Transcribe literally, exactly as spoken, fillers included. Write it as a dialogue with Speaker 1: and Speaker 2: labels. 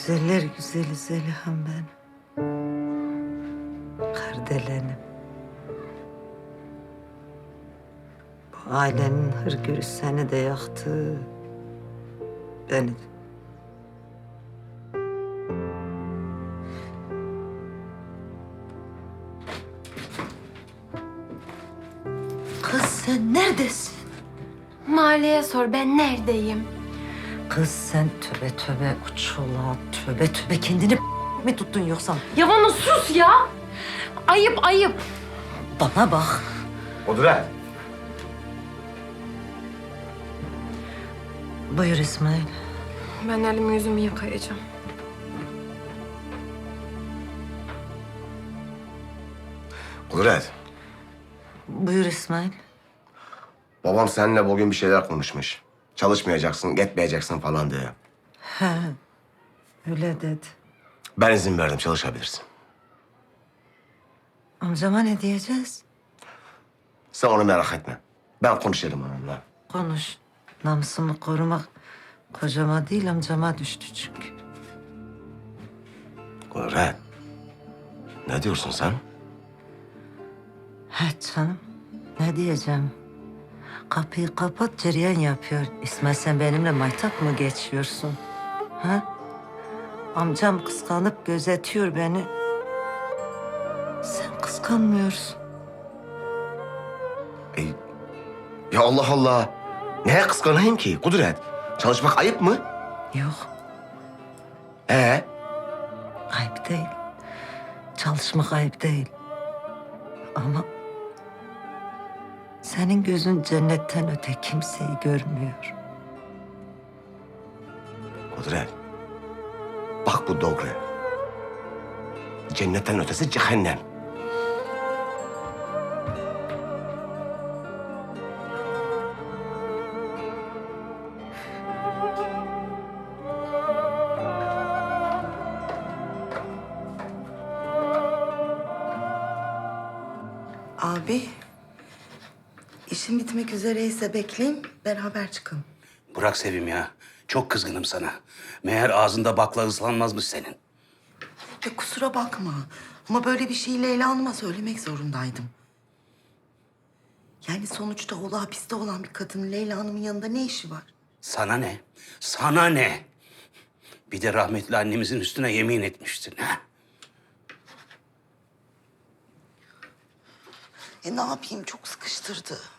Speaker 1: Güzeller güzeli Zeliha'm ben. Kardelenim. Bu ailenin hırgürü seni de yaktı. Beni de. Kız sen neredesin?
Speaker 2: Mahalleye sor, ben neredeyim?
Speaker 1: Kız sen töbe töbe uçula, töbe töbe kendini mi tuttun yoksa?
Speaker 2: Ya bana sus ya! Ayıp ayıp.
Speaker 1: Bana bak.
Speaker 3: Kudret.
Speaker 1: Buyur İsmail.
Speaker 2: Ben elimi yüzümü yıkayacağım.
Speaker 3: Kudret.
Speaker 1: Buyur İsmail.
Speaker 3: Babam seninle bugün bir şeyler konuşmuş. Çalışmayacaksın, gitmeyeceksin falan diye.
Speaker 1: He, öyle dedi.
Speaker 3: Ben izin verdim, çalışabilirsin.
Speaker 1: Amcama ne diyeceğiz?
Speaker 3: Sen onu merak etme. Ben konuşurum onunla.
Speaker 1: Konuş. Namusumu korumak kocama değil amcama düştü çünkü.
Speaker 3: Kudret. Ne diyorsun sen?
Speaker 1: He canım. Ne diyeceğim? Kapıyı kapat cereyan yapıyor. İsmail sen benimle maytap mı geçiyorsun? Ha? Amcam kıskanıp gözetiyor beni. Sen kıskanmıyorsun.
Speaker 3: E, ya Allah Allah. Neye kıskanayım ki Kudret? Çalışmak ayıp mı?
Speaker 1: Yok,
Speaker 3: Ee?
Speaker 1: ayıp değil. Çalışmak ayıp değil. Ama senin gözün cennetten öte kimseyi görmüyor.
Speaker 3: Kudret. Bak bu doğru. Cennetten ötesi cehennem.
Speaker 4: Abi, işim bitmek üzereyse bekleyin, beraber çıkalım.
Speaker 5: Bırak Sevim ya. Çok kızgınım sana. Meğer ağzında bakla ıslanmazmış senin.
Speaker 4: Ya kusura bakma ama böyle bir şeyi Leyla Hanım'a söylemek zorundaydım. Yani sonuçta oğlu hapiste olan bir kadının Leyla Hanım'ın yanında ne işi var?
Speaker 5: Sana ne? Sana ne? Bir de rahmetli annemizin üstüne yemin etmiştin ha?
Speaker 4: E ne yapayım, çok sıkıştırdı.